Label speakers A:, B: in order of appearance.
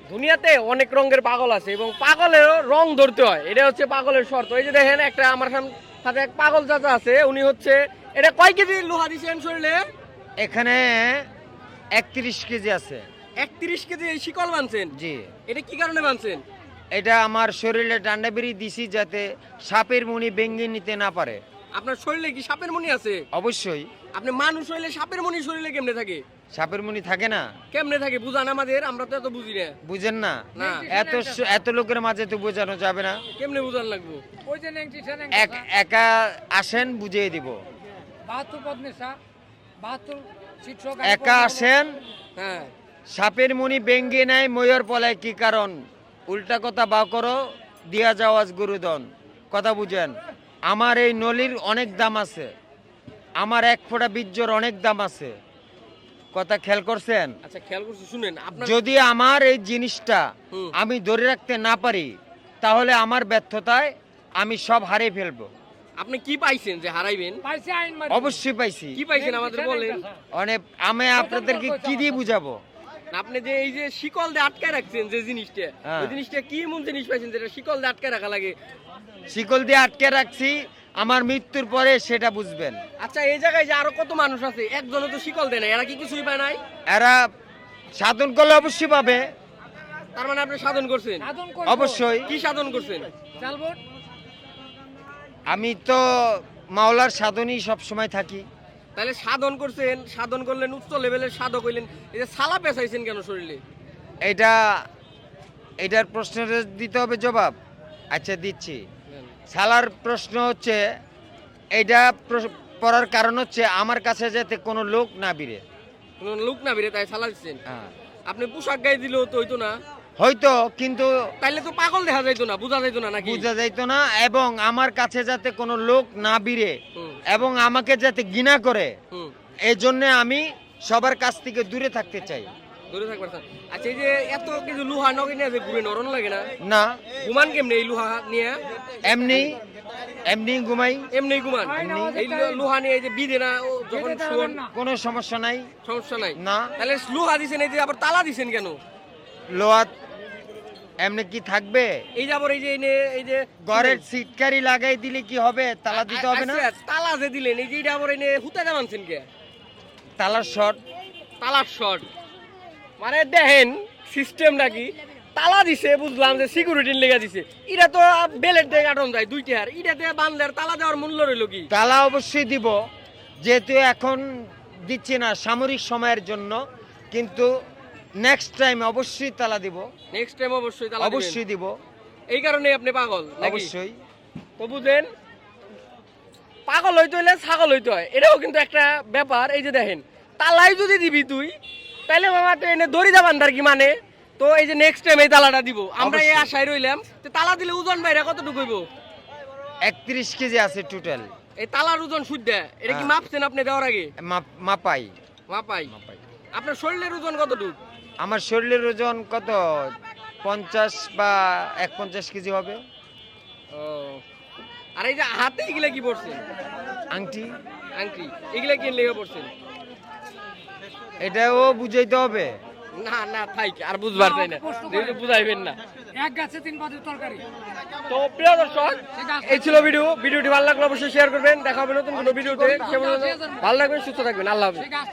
A: দুনিয়াতে অনেক রঙের পাগল আছে এবং পাগলেরও রং ধরতে হয়, এটা হচ্ছে পাগলের শর্ত। এই যে দেখেন একটা আমার সাথে এক পাগল চাচা আছে, উনি হচ্ছে এটা কয় কেজি লোহা দিছেন শরীরে?
B: এখানে 31 কেজি আছে।
A: 31 কেজি এই শিকল বানছেন?
B: জি।
A: এটা কি কারণে বানছেন?
B: এটা আমার শরীরে ডান্ডা বেরি দিছি যাতে সাপের মুনি ভেঙে নিতে না পারে।
A: আপনার শরীরে কি সাপের মনি আছে?
B: অবশ্যই।
A: আপনি মানুষ হইলে সাপের মনি শরীরে কেমনে থাকে?
B: সাপের মুনি থাকে না?
A: কেমনে থাকে বুঝান আমাদের, আমরা তো এত বুঝি না।
B: বুঝেন না?
A: না।
B: এত লোকের মাঝে তো বোঝানো যাবে না।
A: কেমনে বুঝান লাগবো?
B: একা আসেন বুঝিয়ে দিব। একা আসেন,
A: হ্যাঁ।
B: সাপের মুনি ভেঙে নেয় ময়ূর পলায় কি কারণ? উল্টা কথা বা করো দিয়া যাওয়াজ গুরুদন। কথা বুঝেন? আমার এই নলির অনেক দাম আছে, আমার এক ফোঁটা বীর্যর অনেক দাম আছে। কথা খেয়াল করছেন?
A: আচ্ছা খেয়াল করছি, শুনেন আপনার
B: যদি আমার এই জিনিসটা আমি ধরে রাখতে না পারি তাহলে আমার ব্যর্থতায় আমি সব হারিয়ে ফেলবো।
A: আপনি কি পাইছেন যে হারাইবেন?
B: অবশ্যই পাইছি।
A: কি পাইছেন আমাদের বলেন।
B: অনেক আমি আপনাদেরকে কি দিয়ে বুঝাবো?
A: আপনি যে এই যে শিকল দিয়ে আটকায় রাখছেন যে জিনিসটা, ওই জিনিসটা কি এমন জিনিস পাইছেন যেটা শিকল দিয়ে আটকায় রাখা লাগে?
B: শিকল দিয়ে আটকে রাখছি, আমার মৃত্যুর পরে সেটা বুঝবেন।
A: আচ্ছা এই জায়গায় যে আরো কত মানুষ আছে, একজনও তো শিকল দেয় না, এরা কি কিছুই পায় নাই?
B: এরা সাধন করলে অবশ্যই পাবে।
A: তার মানে আপনি সাধন করছেন?
B: অবশ্যই।
A: কি সাধন করছেন?
B: আমি তো মাওলার সাধনই সব সময় থাকি।
A: তাহলে সাধন করছেন, সাধন করলেন, উচ্চ লেভেলের সাধক হইলেন, এই যে সালা পেঁচাইছেন কেন শরীরে?
B: এটার প্রশ্নের দিতে হবে জবাব। আচ্ছা দিচ্ছি। সালার প্রশ্ন হচ্ছে এইটা পড়ার কারণ হচ্ছে আমার কাছে যাতে কোনো লোক না বিরে।
A: কোন লোক না বেরে তাই সালা দিচ্ছেন?
B: হ্যাঁ।
A: আপনি পোশাক গায়ে দিলেও তো হইতো না?
B: হয়তো, কিন্তু
A: তাইলে তো পাগল দেখা যাইতো না, বোঝা যাইতো না নাকি?
B: বুঝা যাইতো না, এবং আমার কাছে যাতে কোনো লোক না বিরে এবং আমাকে যাতে ঘৃণা করে, এই জন্য আমি সবার কাছ থেকে দূরে থাকতে চাই।
A: দূরে থাকবার চান। আচ্ছা এই যে এত কিছু লোহা নগে নিয়ে যে ঘুরে নরম লাগে না?
B: না।
A: ঘুমান কেমনে এই লোহা নিয়ে?
B: এমনি এমনি ঘুমাই।
A: এমনি ঘুমান? এই লোহা নিয়ে এই যে বিধে না যখন শুন?
B: কোনো সমস্যা নাই।
A: সমস্যা নাই
B: না।
A: তাহলে লোহা দিছেন, এই যে আবার তালা দিছেন কেন?
B: লোহাত এমনি কি থাকবে?
A: এই যে আবার এই যে
B: ঘরের সিটকারি লাগাই দিলে কি হবে? তালা দিতে হবে না?
A: আচ্ছা, তালা যে দিলেন, এই যে এটা আবার এনে হুতা জামানছেন কে?
B: তালার শর্ট।
A: তালার শর্ট মানে দেখেন সিস্টেমটা কি? তালা দিছে বুঝলাম যে সিকিউরিটির লেগে দিছে, এটা তো বেলেট দিয়ে কাটন যায় দুইটা, আর এটাতে বানলে তালা দেওয়ার মূল্য রইল কি?
B: তালা অবশ্যই দিব, যেহেতু এখন দিচ্ছি না সামরিক সময়ের জন্য, কিন্তু নেক্সট টাইম অবশ্যই তালা দিব।
A: নেক্সট টাইম অবশ্যই তালা
B: অবশ্যই দিব।
A: এই কারণে আপনি পাগল নাকি?
B: অবশ্যই।
A: তো বুঝেন, পাগল হইতে হইলে ছাগল হইতে হয়, এটাও কিন্তু একটা ব্যাপার। এই যে দেখেন তালাই যদি দিবি তুই, তাহলে মামা তো এনে দড়ি দাবান তার কি মানে? তো এই যে নেক্সট টাইম এই তালাটা দিব আমরা, এই আশায় রইলাম। তো তালা দিলে ওজন বাইরে কতটুকু হইব?
B: 31 কেজি আছে টোটাল।
A: এই তালার ওজন শুদ্ধ এটা কি মাপছেন আপনি দেওয়ার আগে?
B: মাপাই।
A: মাপাই। আপনার শরীরের ওজন কতটুকু?
B: আমার শরীরের ওজন কত 50 বা 51 কেজি হবে।
A: ও, আর এই যে হাতে এগুলা কি পড়ছেন?
B: আংটি।
A: আংটি এগুলা কি লেগে পড়ছেন?
B: এটাও বুঝাইতে হবে।
A: না না থাইক, আর বুঝবার চাই না, যেহেতু বুঝাইবেন না।
C: এক গাছে 3 পাতের তরকারি।
A: তো প্রিয় দর্শক, এই ছিল ভিডিওটি ভালো লাগলে অবশ্যই শেয়ার করবেন। দেখা হবে নতুন কোনো ভিডিওতে। ভালো লাগবে, সুস্থ থাকবেন, আল্লাহ হাফেজ।